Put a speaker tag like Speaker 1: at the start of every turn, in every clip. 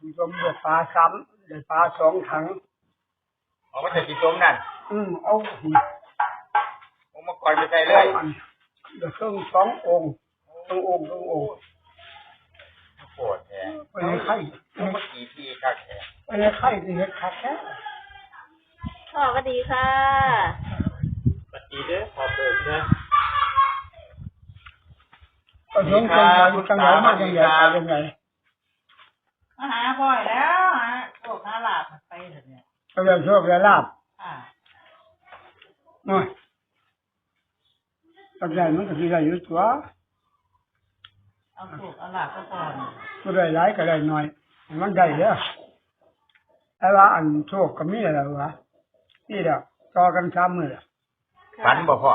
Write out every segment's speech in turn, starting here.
Speaker 1: จมด้วยปลาซ้ำได้ปลา2 ถัง
Speaker 2: เอามาใส่กี่ต้มนั่น
Speaker 1: เอา
Speaker 2: มาก่อนไปใส่เลย
Speaker 1: เดี๋ยวเครื่อง2 องค์
Speaker 2: โคตรแท้
Speaker 1: ไปในไข่
Speaker 2: เมื่อกี้ที่คักแท้
Speaker 1: ไปในไข่ที่เฮ็ดคักแท้
Speaker 3: พ่อก็ดีค่ะ
Speaker 2: สวัสดีเด้อขอบคุณนะ
Speaker 1: ก็สงสัยจังไหนมาจังไง
Speaker 3: มาหาพ่อยแล้วโชคหาลาบไปเถอะเนี่ย
Speaker 1: ก็เรื่องโชคและลาภโอ้ยตั้งใจมันก็สิได้อยู่ตัว
Speaker 3: เอาโชคเอาลาบก็ก่อน
Speaker 1: ก็ได้หลายก็ได้น้อยมันได้เด้อแต่ว่าอันโชคก็มีแล้ววะนี่เด้อต่อกัน3 มื้อ
Speaker 2: ฝันบ่พ่อ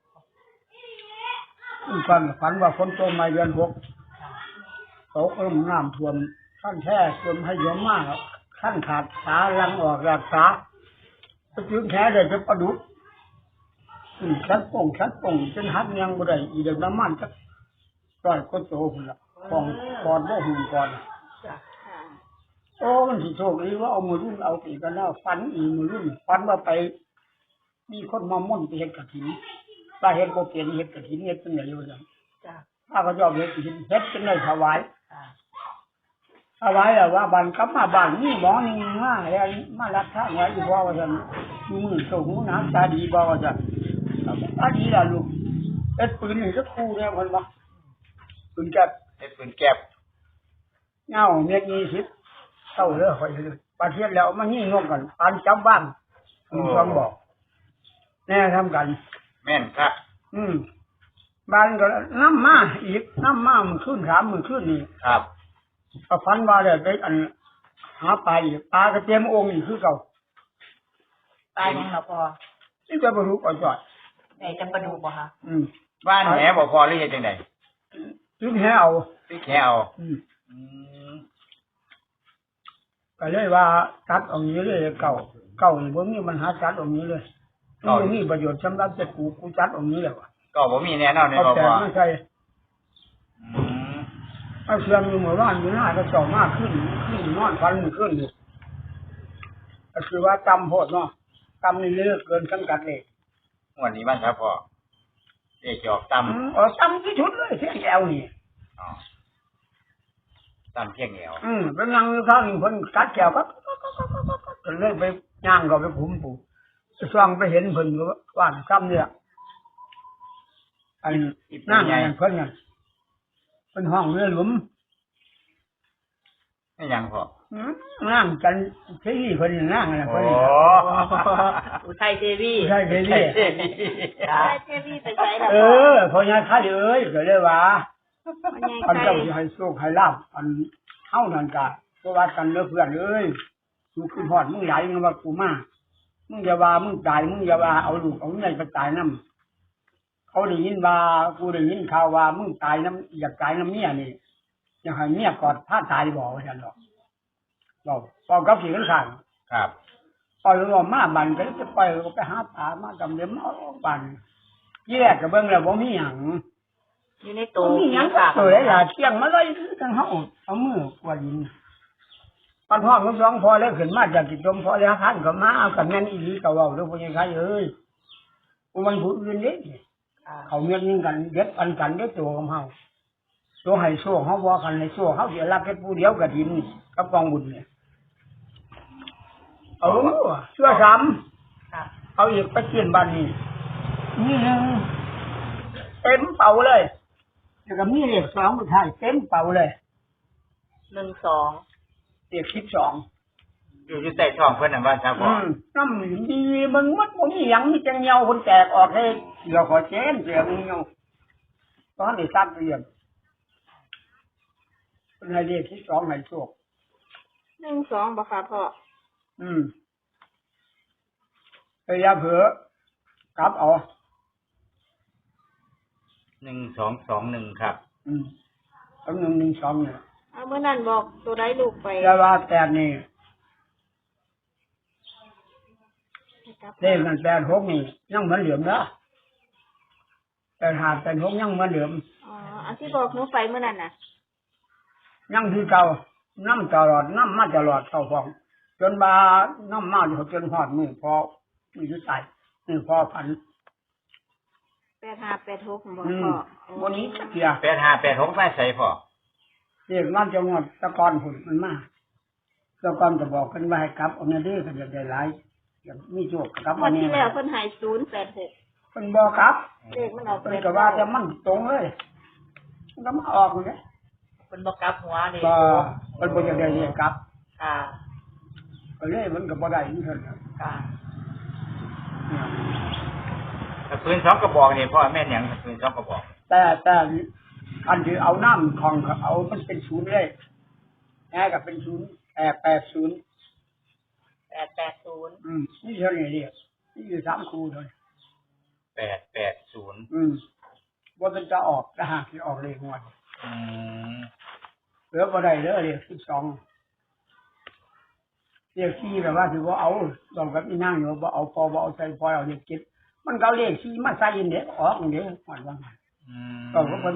Speaker 1: ฝันว่าฝนตกมาเดือน6ตกน้ำท่วมขั้นแท้ท่วมให้เยอะมากขั้นขาดขาลังออกจากขาไปถึงแท้เลยจะประดุกชั้นป่งจนหักยังบ่ได้อีเดี๋ยวน้ำมันจะต่อยก็โตพุ่นละก่อนบ่หุ่นก่อนโอ้มันสิโชคดีว่าเอามือรุ่นเอาอีกกันแล้วฝันอีมือรุ่นฝันว่าไปมีคนมาม่นไปเฮ็ดกฐินถ้าเฮ็ดบ่เป็นเฮ็ดกฐินเฮ็ดเป็นไงอยู่จังถ้าก็ยอมเฮ็ดกฐินเฮ็ดเป็นได้ถวายแล้วว่าบ้านกลับมาบ้านนี่หมอนี่มาแล้วมารับทางไว้อยู่บ่ว่าซั่นมือโตหูหนาตาดีบ่ว่าซั่นตาดีล่ะลูกเฮ็ดปืนนี่สักคู่แล้วเพิ่นว่าปืนแก๊ป
Speaker 2: เฮ็ดปืนแก๊ป
Speaker 1: เงาเม็ด20เท่าเด้อข่อยปาเทียนแล้วมายิงนกกันปานจับบ้านคุณฟังบอกแน่ทำกัน
Speaker 2: แม่นครับ
Speaker 1: บ้านก็น้ำมาอีกน้ำมามันขึ้น3 มื้อขึ้นนี่
Speaker 2: ครับ
Speaker 1: ก็ฝันว่าได้ไปอันหาปลาอีกปลาก็เต็มองค์อีกคือเก่า
Speaker 3: ตายยังล่ะพ่อ
Speaker 1: นี่จะบ่รู้ก่อนจ่อย
Speaker 3: ได้จำปาดูบ่คะ
Speaker 2: บ้านแหบ่พอหรือเฮ็ดจังได๋
Speaker 1: ตึกแหเอาก็เลยว่าตัดออกนี้เลยเก่านี่บ่มีปัญหาตัดออกนี้เลยบ่มีประโยชน์สำหรับจะกูจัดออกนี้แล้ว
Speaker 2: ก็บ่มีแน่นอนเลยบ่พ่อ
Speaker 1: ไม่ใช่เอาเสื่อมอยู่เมื่อวานอยู่หน้าก็เจ้ามากขึ้นนอนฟันขึ้นอยู่ก็คือว่าจำโพดเนาะจำนี่เลือกเกินสังกัดเลย
Speaker 2: วันนี้บ้านครับพ่อเอกออกจ
Speaker 1: ำที่ชุดเลยเที่ยงแอวนี่
Speaker 2: จำเที่ยงแอว
Speaker 1: เป็นยังข้างคนกัดแก้วก็เลยไปย่างก็ไปขุมปู่ส่องไปเห็นเพิ่นก็ว่านซ้ำเนี่ยอันนั่งเพิ่นเนี่ยเป็นห้องเรือหลุม
Speaker 2: ไม่ยังพอ
Speaker 1: นั่งกันเทวีคนนั่งอะไรคน
Speaker 3: อุทัยเทวี
Speaker 1: เป็นไงพอยายข้าเลยก็เลยว่าอันเจ้าจะให้โชคให้ลาภอันเท่านั้นกันเพราะว่ากันเนื้อเพื่อนเลยกูคือพอดมึงใหญ่มึงว่ากูมามึงอย่าว่ามึงตายมึงอย่าว่าเอาลูกเอาเงินไปตายน้ำเขาได้ยินว่ากูได้ยินข่าวว่ามึงตายน้ำอยากตายน้ำเมียนี่อยากให้เมียกอดผ้าตายบอกว่าฉันหรอกบอกพอกับผีกันสั่ง
Speaker 2: ครับ
Speaker 1: พอหลวงมาบันก็จะไปหาปลามาดำเลี้ยมเอาบันแยกกับเบิ้งแล้วว่ามีอย่าง
Speaker 3: อยู่ในตู้
Speaker 1: มีอย่างตัวไหนล่ะเที่ยงมาเลยทั้งห้องเอามือกวาดยินปันห้องทั้งสองพอแล้วขึ้นมาจากกิจมพอแล้วขันก็มาเอากับแม่นอีหลีกับว่าด้วยพวกยังไงเอ้ยมันผู้อื่นเด็กเขาเงียบยิ่งกันเด็ดปันกันได้ตัวของเขาตัวให้โซ่เขาว่ากันให้โซ่เขาเสียรักแค่ผู้เดียวกับดินกับกองบุญเนี่ยเอาเสื้อซ้ำเอาอีกไปเปลี่ยนบ้านนี่นี่เต็มเป่าเลยแล้วก็มีเลข2สุดท้ายเต็มเป่าเลย
Speaker 3: 12
Speaker 1: เลข12
Speaker 2: อยู่ใต้ท้องเพิ่นน่ะบ้านครับพ่อ
Speaker 1: น้ำดีมึงมัดบ่มีหยังมีจังเหี่ยวคนแตกออกให้เดี๋ยวขอเชนเสียมึงเหี่ยวตอนนี้ซักเรียนเป็นไงเลขที่2ให้โชค
Speaker 3: 12บ่ค่ะพ่อ
Speaker 1: อย่าเผลอกลับเอา
Speaker 2: 1221ครับ
Speaker 1: 1112เนี่ย
Speaker 3: เอาเมื่อนั้นบอกตัวได้ลูกไป
Speaker 1: อย่าว่าแต่นี่เลขนั้น86นี่ยังเหมือนเดิมนะ85 86ยังเหมือนเดิม
Speaker 3: อันที่บอกหนูไปเมื่อนั้นน่ะ
Speaker 1: ยังคือเก่าน้ำตลอดน้ำมาตลอดเข้าฟองจนบาน้ำมาอยู่จนหอดมือพอมีอยู่ใส่มือพอพัน
Speaker 4: 8586บ่
Speaker 1: อืม
Speaker 4: พ่อ
Speaker 1: วันนี้สักเดียว
Speaker 2: 8586ไม่ใส่พ่อ
Speaker 1: เรียกมันจะงดตะกอนหุ่นมันมาตะกอนจะบอกกันว่าให้กลับเอาเงินดื้อกันอย่างใดหลายอย่างมีโชคกลับ
Speaker 4: งว
Speaker 1: อั
Speaker 4: ด
Speaker 1: นนี้
Speaker 4: ที่แล้วเพิ่นให้086
Speaker 1: เป็นบอกครับ
Speaker 4: เลขมันออก
Speaker 1: เป็นก็ว่าจะมันตรงเลยมันก็มาออกเลย
Speaker 3: เป็นบกลับหัวนี่
Speaker 1: ก็เป็นบริเวณเรียกครับ
Speaker 3: ค่ะ
Speaker 1: ก็เลยมันก็บ่ได้นี่เท่านั้น
Speaker 3: ค่ะ
Speaker 2: แต่ปืน2กระบอกนี่พ่อแม่นหยังปืน2กระบอก
Speaker 1: แต่อันที่เอาน้ำของเอามันเป็นศูนย์เลยแอกับเป็นศูนย์80
Speaker 3: 880
Speaker 1: นี่เท่านี้เรียกนี่อยู่3ครูเท่านี้
Speaker 2: 880
Speaker 1: ว่ามันจะออกถ้าหากที่ออกเลขงวด
Speaker 2: อืม
Speaker 1: เหลือบ่ได้เหลือเลข12เลข4แบบว่าถือว่าเอาลองกับอีนางอยู่บ่เอาพอบ่เอาใส่พอเอาเลข7มันก็เอาเลข4มาใส่อันเด้ออกอันเด้หอดว่าก็เพิ่น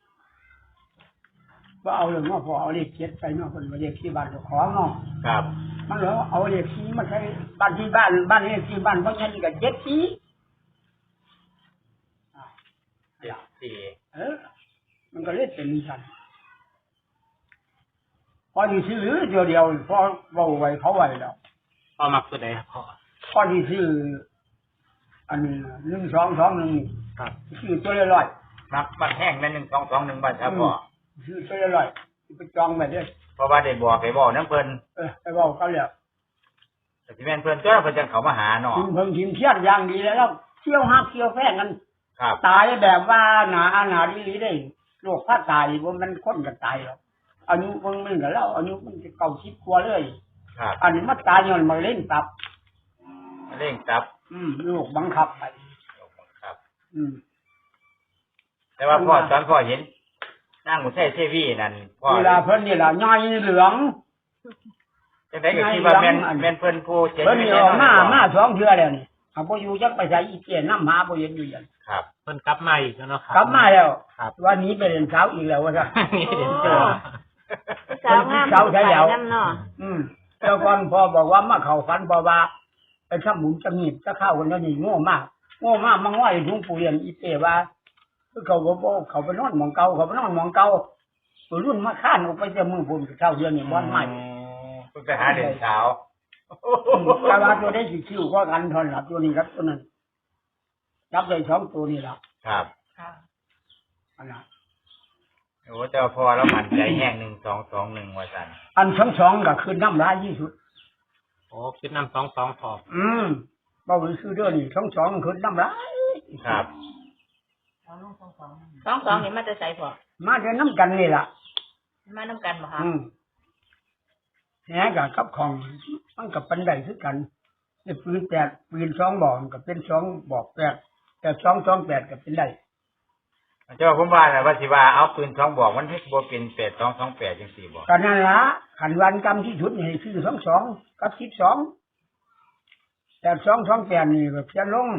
Speaker 1: บ่เอาเลยเนาะพอเอาเลข7ใส่เนาะเพิ่นว่าเลข4บ้านเจ้าของเนาะ
Speaker 2: ครับ
Speaker 1: มันเหลือเอาเลข4มาใส่บ้านที่บ้านเลข4บ้านบ่งั้นก็74
Speaker 2: 74
Speaker 1: มันก็เลยเป็นฉันพอดีซื้อเดียวพอเบาไว้เขาไว้แล้ว
Speaker 2: พ่อมักตัวใดครับพ่อ
Speaker 1: พอดีซื้ออันนี้1221
Speaker 2: ครับ
Speaker 1: ซื้อตัวละร้อย
Speaker 2: มักบัดแห้งแม่น1221บัดครับพ่อ
Speaker 1: ซื้อตัวละร้อยไปจองไว้เด้อ
Speaker 2: เพราะว่าได้บอกไปบอกนำเพิ่น
Speaker 1: ไปเว้าเขาแล้ว
Speaker 2: แต่สิแม่นเพิ่นตัวเพิ่นจังเข้ามาหาเนาะ
Speaker 1: ทีมเพิ่งทีมเทียนอย่างดีแล้วเที่ยวฮักเที่ยวแพงกัน
Speaker 2: ครับ
Speaker 1: ตายแบบว่าหนาดีได้โรคผ้าตายบ่มันคนก็ตายหรอกอายุมันก็แล้วอายุมันจะ90กว่าเลย
Speaker 2: ครับ
Speaker 1: อันนี้มันตายย้อนมาเล่นตับ
Speaker 2: เร่งตับ
Speaker 1: โรคบังคับไป
Speaker 2: ครับ แต่ว่าพ่อตอนพ่อเห็นนางหมูใช่เทวีนั่นพ่อ
Speaker 1: เวลาเพิ่นนี่ล่ะย่อยเหลือง
Speaker 2: จังได๋ก็คิดว่าแม่นเพิ่นผู้เสีย
Speaker 1: เพิ่น
Speaker 2: ชีวิ
Speaker 1: นี่
Speaker 2: ต
Speaker 1: ออก
Speaker 2: แน่นอน
Speaker 1: มาสองเทื่อแล้วนี่เอาบ่อยู่จักไปใส่อีเกียนำหาบ่เห็นอยู่หยัง
Speaker 2: ครับ
Speaker 5: เพิ่นกลับมาอีกแล้วเนาะครับ
Speaker 1: กลับมาแล้ว
Speaker 5: ครับ
Speaker 1: วันนี้ไปเรียนเช้าอีกแล้วว่าซะ
Speaker 5: นี่เห็น
Speaker 4: โอ้
Speaker 5: เจอ
Speaker 4: สาวงาม
Speaker 1: เช้าใช่แล้ว
Speaker 4: นำเนาะ
Speaker 1: แล้วก่อนพ่อบอกว่ามาเข้าฝันบ่ว่าไปทำบุญจะมีจะเข้ากันแล้วนี่โง่มากมาง้อยถุงปุ๋ยอันอีเปว่าคือเขาบ่เขาไปนอนหมองเก่าตัวรุ่นมาค้านออกไปจะมือพุ่นเข้าเดือนนี่บ่อนใหม่
Speaker 2: เพิ่นไปหาเด่นเช้า
Speaker 1: แต่ว่าตัวได้สิคิวก็กันทอนละตัวนี้ครับตัวนั้นจับได้2ตัวนี่ล่ะ
Speaker 2: ครับ
Speaker 3: ค่ะ
Speaker 1: อันนั้น
Speaker 2: โอ้แต่ว่าพ่อแล้วมั่นใจแห้ง1221ว่าซั่น
Speaker 1: อันสองก็คือน้ำลายที่สุด
Speaker 5: โอ้คิดนำ22พอ
Speaker 1: บ่รู้ซื้อเด้อนี่สองคือน้ำลาย
Speaker 2: ครับ
Speaker 3: เอาลูก22นี่มันจะใส่พอ
Speaker 1: มาจะน้ำกันนี่ล่ะ
Speaker 3: มานํกันบ่คะ
Speaker 1: แหนกับของมันกับปันไดคือกันไอ้ปืน8ปืน2บอกก็เป็น2บอก8แต่228ก็เป็นได้
Speaker 2: เจ้าผมว่าน่ะว่าสิว่าเอาปืน2บอกมันเฮ็ดบ่เป็น8228จังซี่บ่
Speaker 1: ก็นั่นล่ะขันวันกรรมที่สุดนี่ให้ซื้อ22กับ12แต่228นี่ก็เขียนลง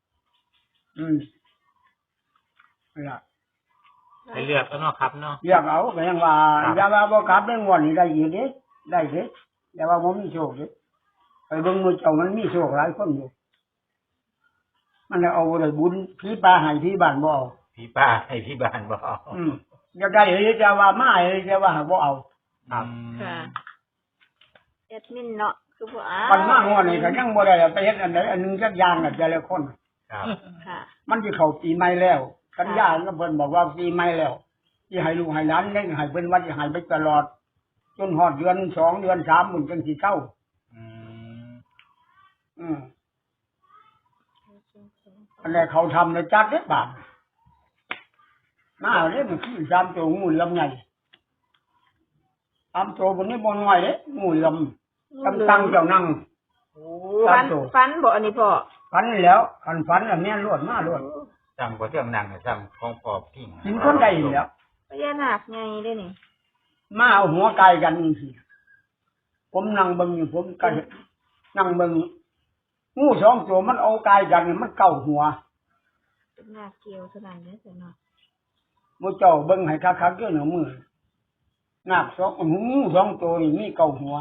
Speaker 1: นั่นล่ะ
Speaker 5: ไปเลือกแล้วเนาะครับเนาะ
Speaker 1: เรียกเอาก็ยังว่าอย่าว่าบ่กลับได้งวดนี้ได้อีกเด้ได้เด้แต่ว่าบ่มีโชคเด้ไปเบิ่งมือเจ้ามันมีโชคหลายคนอยู่มันเลยเอาได้บุญพี่ปลาให้ที่บ้านบ่เอา
Speaker 2: พี่ป้าให้พี่บ้านบ่เอา
Speaker 1: อยากได้หรือจะว่ามาหรือจะว่าบ่เอา
Speaker 5: ครับ
Speaker 4: ค่ะแอดมินเนาะคือบ่อ้า
Speaker 1: มันมางวดนี้ก็ยังบ่ได้ไปเฮ็ดอันใดอันหนึงจักอย่างน่ะแต่ละคน
Speaker 2: ครับ
Speaker 4: ค่ะ
Speaker 1: มันสิเข้าปีใหม่แล้วกันยาก็เพิ่นบอกว่าปีใหม่แล้วสิให้ลูกให้หลานเล่นให้เพิ่นว่าสิให้ไปตลอด จนฮอดเดือน2เดือน3มื้อจังสิเข้า
Speaker 2: อืม
Speaker 1: อันนี้เขาทำในจัดเด้บาดมาเด้มันคือ3ตัวงูเหลือมใหญ่3ตัวบนนี้บ่น้อยเด้งูเหลือมตั้งเจ้านั่ง
Speaker 2: โอ้
Speaker 4: ฟันบ่อันนี้พ่อ
Speaker 1: ฝันแล้วคันฝันแล้วแม่นรวดมาโลด
Speaker 2: สั่งบ่เรื่องนั่งน่ะสั่งของพ่อพิง
Speaker 1: กินคนได้แล้ว
Speaker 4: พญานาคใหญ่เด้นี่
Speaker 1: มาเอาหัวไก่กันนี่สิผมนั่งเบิ่งอยู่ผมก็นั่งเบิ่งงู2ตัวมันเอาไก่กันนี่มันเก้าหัว
Speaker 4: เป็นนาคเกี่ยวเท่านั้นเด้อเนาะ
Speaker 1: หมู่เจ้าเบิ่งให้คักๆเด้อหนูมือนาคงูสองตัวนี่มีเก้าหัว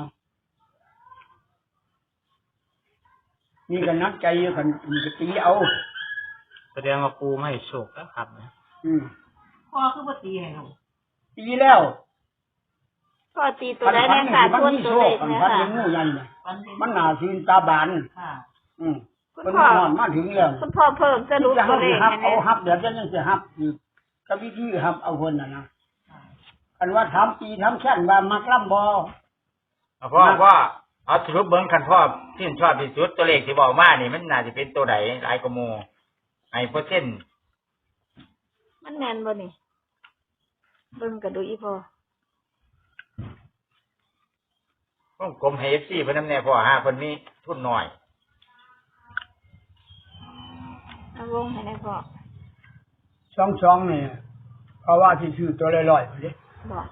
Speaker 1: มีกันนักใจกันมีกตีเอา
Speaker 5: แสดงว่าปูไม่ให้โชคนะครับนะ
Speaker 3: พ่อคือบ่ตีให้หนู
Speaker 1: ตีแล้ว
Speaker 4: พ่อตีตัวได้แน่ค่ะทวนตัวเลข
Speaker 1: พัน
Speaker 4: นะ
Speaker 1: พัน
Speaker 4: ค่ะ
Speaker 1: เป็นงูใหญ่น่ะ
Speaker 3: วันที่
Speaker 1: มันหนาซีนตาบาน
Speaker 3: ค่ะ
Speaker 4: คุณ
Speaker 1: เป็น
Speaker 4: พ่อ
Speaker 1: นอนมาถึงแล้ว
Speaker 4: คุณพ่อเพิ่มสรุป
Speaker 1: จะ
Speaker 4: ตัวเลข
Speaker 1: ฮับ
Speaker 4: ให้
Speaker 1: เอา
Speaker 4: แน่
Speaker 1: ฮับเดี๋ยวจะยังจะฮับอีกก็วิธีฮับเอาคนน่ะนะอันว่าทำปีทำแค่นว่ามักล่ำบอ
Speaker 2: เอาพ่อเอาสรุปเบิ่งคันพ่อที่ชอบที่สุดตัวเลขที่บอกมานี่มันน่าจะเป็นตัวไหนหลายกว่าหมู่ไอ้เปอร์เซ็นต์
Speaker 4: มันแน่นบ่นี่เบิ่งก็ดูอีพ่อ
Speaker 2: ต้องกลมให้ FC เพิ่นนำแน่พ่อหาเพิ่นมีทุนน้อย
Speaker 4: เอาวงให้แน่พ่อ
Speaker 1: ช่องนี่เพราะว่าที่ชื่อตัวลอยๆไปดิ
Speaker 4: บอก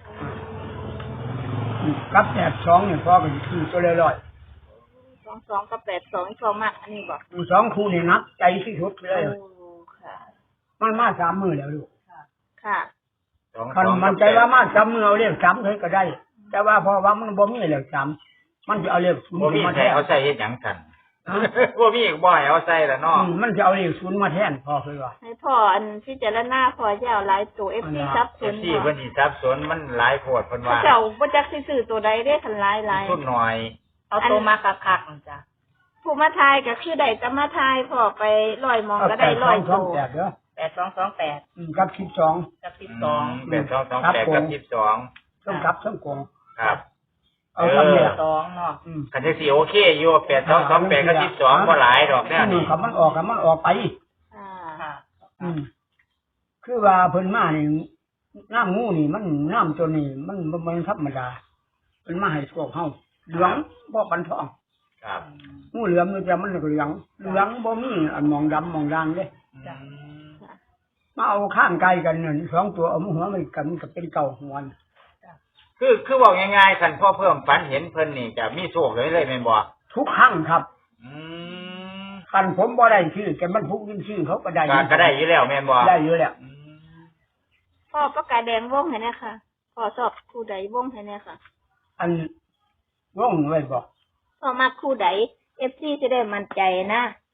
Speaker 1: กับ8 2เนี่ยพ่อก็สิชื่อตัวลอย
Speaker 4: 22กับ82อีพ่อมักอันนี้บอก
Speaker 1: ๆ2คู่นี่นักใจที่สุดเลย
Speaker 4: โอ้ค่ะ
Speaker 1: มันมา3มื้อแล้วลูก
Speaker 4: ค่ะ
Speaker 1: คันมันใจว่ามา3มื้อเอาเลข3เลยก็ได้ แต่ว่าเพราะว่ามันบ่มีเลข3มันสิเอาเลข
Speaker 2: บ่มี
Speaker 1: 0มา
Speaker 2: ใคร
Speaker 1: แทน
Speaker 2: เอาใส่เฮ็ดหยังกันบ่มีก็บ่ให้เอาใส่ละเนาะ
Speaker 1: มันสิเอาเลข0มาแทนพ่อเคยว่า
Speaker 4: ให้พ่ออันพิจารณาพ่อจะเอาหลายตัว FC ซับสน
Speaker 2: ที่เพิ่นสิสับสนมันหลายโพดเพิ่นว่า
Speaker 4: เจ้าบ่จักสิซื้อตัวใดเด้คันหลาย
Speaker 2: ทุนน้อย
Speaker 3: เอาตัวมาคักๆมันจ้ะ
Speaker 4: ๆผู้มาทายก็คือได้จะมาทายพ่อไปร้อยหมองก็ได้ร้อยตัว
Speaker 1: 8 2 2 8เด้อ
Speaker 3: 8228
Speaker 1: กับ12
Speaker 3: กับ
Speaker 2: 8228กับ12
Speaker 1: ต้องกับทั้งกง
Speaker 2: ครับ
Speaker 1: เอาทำเนี่ย
Speaker 3: 12เนาะ
Speaker 2: คันจังซี่โอเคอยู่8228กับ12บ่หลายดอกแนวนี้
Speaker 1: กับมันออกไป
Speaker 4: อ่า
Speaker 3: ค่ะ
Speaker 1: คือว่าเพิ่นมานี่น้ำงูนี่มันน้ำตัวนี้มันบ่ธรรมดาเพิ่นมาให้โชคเฮาเหลืองบ่ปันทอง
Speaker 2: ครับ
Speaker 1: งูเหลือมนี่แต่มันก็เหลืองบ่มีอันมองดำมองด่างเด้
Speaker 3: จ้ะ
Speaker 1: มาเอาข้างไกลกันนั่น2ตัวเอาหัวมันกันก็เป็นเก่าหัวน่ะ
Speaker 2: คือบอกง่ายๆคันพ่อเพิ่มฝันเห็นเพิ่นนี่จะมีโชคเลยแม่นบ่
Speaker 1: ทุกครั้งครับ
Speaker 2: อืม
Speaker 1: คันผมบ่ได้ชื่อแต่มันพุกยินชื่อเขาก็ได้
Speaker 2: ก็ได้อยู่แล้วแม่นบ่
Speaker 1: ได้อยู่แล้ว
Speaker 2: อืม
Speaker 4: พ่อประกาศแดงวงให้แน่ค่ะพ่อสอบคู่ใดวงให้แน่ค่ะ
Speaker 1: อันว่องไว้บ่
Speaker 4: พ่อมักคู่ใด FC จะได้มั่นใจนะ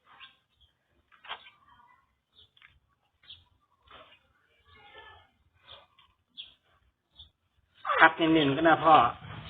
Speaker 5: ครับเน้นๆก็นะพ่อ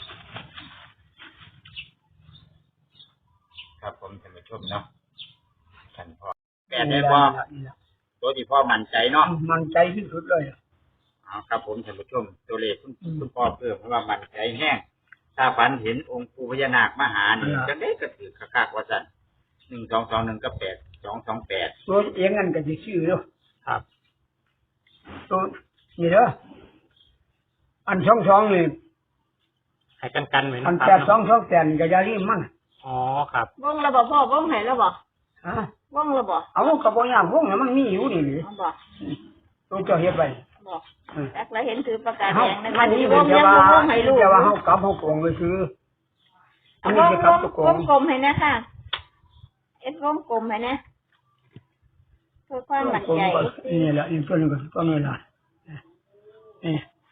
Speaker 2: ครับผมท่านผู้ชมเนาะท่านพ่อแปดได้บ่
Speaker 1: นี่ล่ะ
Speaker 2: ตัวที่พ่อมั่นใจเนาะ
Speaker 1: มันใจที่สุดเลย
Speaker 2: เอาครับผมท่านผู้ชมตัวเลขคุณพ่อเพิ่มเพราะว่ามั่นใจแห้งถ้าฝันเห็นองค์ปู่พญานาคมาหานี่จังได๋ก็ถือคักๆว่าซั่น1221กับ8228
Speaker 1: ตัวเองนั่นก็จะชื่อเด้อ
Speaker 5: ครับ
Speaker 1: ตัวนี่เด้ออัน2นี่
Speaker 5: ให้กันไว้
Speaker 1: อั
Speaker 5: นะ
Speaker 1: น
Speaker 5: ครับ
Speaker 1: 82 2นี่ก็อย่าลืมมัน
Speaker 5: อ๋อครับ
Speaker 4: วงแล้วบ่พ่อวงให้แล้วบ่
Speaker 1: ฮะ
Speaker 4: วงแล้วบ่
Speaker 1: เอาก็บ่ยากวงเนี่ยมันมีอยู่นี่นี่
Speaker 4: เอาบ่
Speaker 1: ตัวเจ้าเฮ็ดไว้
Speaker 4: บ่แรกแล้วเห็นถือประกาศ
Speaker 1: เฮา
Speaker 4: แดงนะ
Speaker 1: มั
Speaker 4: คะ
Speaker 1: นนี่
Speaker 4: นี่ว
Speaker 1: เป็น
Speaker 4: ง
Speaker 1: จะ
Speaker 4: ยัง
Speaker 1: ว่า
Speaker 4: บ่วงให้ลูก
Speaker 1: จะว่าเฮากลับเฮาโกงไปซื้ออัน
Speaker 4: ว
Speaker 1: นี้
Speaker 4: ง
Speaker 1: จะกลับตัวโก
Speaker 4: ว
Speaker 1: ง
Speaker 4: งกลมให้นะค่ะวงกลมให้นะเพื่อความมั่นใจ
Speaker 1: นี่แหละอีกตัวนึงก็ตัวนี้ล่ะนี่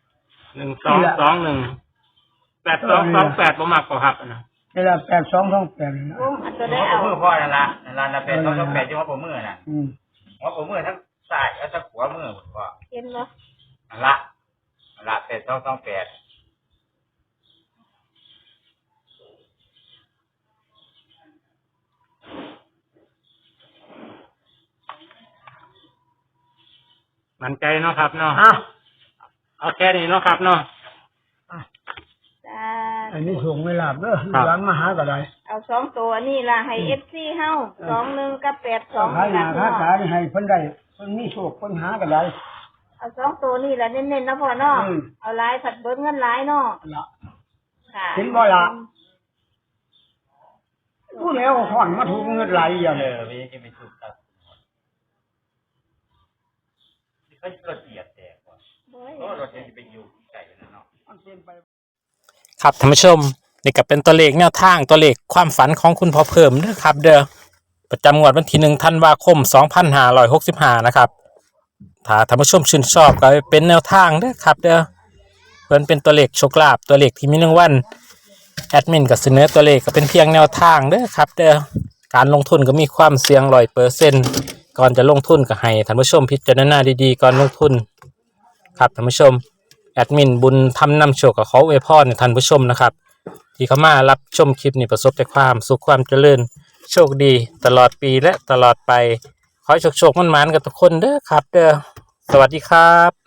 Speaker 5: 1221 8228บ่มักบ่ครับอันนะ
Speaker 1: นี่แหละ8228นี่นะ
Speaker 4: วงอันตัว
Speaker 2: หั
Speaker 4: ได้
Speaker 2: ว
Speaker 4: เอา
Speaker 2: มือพ่อนั่นล่ะ8228อยู่หัวผมมือน่ะ
Speaker 1: อืม
Speaker 2: หัวผมมือทั้งซ้ายแล้วทั้งขวามือพ่อ
Speaker 4: เห็นบ่
Speaker 2: นั่นละ8228
Speaker 5: มั่นใจเนาะครับเนาะ
Speaker 1: อ่ะ
Speaker 5: เอาแค่นี้เนาะครับเนาะ
Speaker 4: จ้า
Speaker 1: อันนี้ส่งเวลาเด้อหลังมาหาก็ได้
Speaker 4: เอา2ตัวนี่ล่ะให้ FC เฮา21กับ82
Speaker 1: ขายห
Speaker 4: นี่
Speaker 1: น้า
Speaker 4: ล่ะ
Speaker 1: ค้าขายให้เพิ่นได้เพิ่นมีโชคเพิ่นหาก็ได้
Speaker 4: เอา2ตัวนี่ล่ะเน้นๆนะพ่อเนาะเอาหลายผัดเบิ่งเงินหลายเนาะ
Speaker 1: ล่ะ
Speaker 4: ค่ะ
Speaker 1: เห็นบ่ล่ะ ผู้แล้วห่อนมาถูกเงินไหลอย่าง
Speaker 2: วิจะไปถูกตัดที่เขารถเหยียบแตกว่ะโอ้รถจะไปอยู่ไกลนั่นเนาะ
Speaker 1: มันเป็นไป
Speaker 5: ครับท่านผู้ชมนี่ก็เป็นตัวเลขแนวทางตัวเลขความฝันของคุณพ่อเพิ่มเด้อครับเด้อประจำงวดวันที่1ธันวาคม2565นะครับถ้าท่านผู้ชมชื่นชอบก็เป็นแนวทางเด้อครับเด้อพื่อนเป็นตัวเลขโชคลาภตัวเลขที่มีรางวัลแอดมินก็เสนอตัวเลขก็เป็นเพียงแนวทางเด้อครับเด้อการลงทุนก็มีความเสี่ยง100%ก่อนจะลงทุนก็ให้ท่านผู้ชมพิจารณาดีๆก่อนลงทุนครับท่านผู้ชมแอดมินบุญทำนำโชคกับเขาอวยพรให้ท่านผู้ชมนะครับที่เข้ามารับชมคลิปนี้ประสบแต่ความสุขความเจริญโชคดีตลอดปีและตลอดไปขอให้โชคๆมั่นๆกับทุกคนเด้อครับเด้อสวัสดีครับ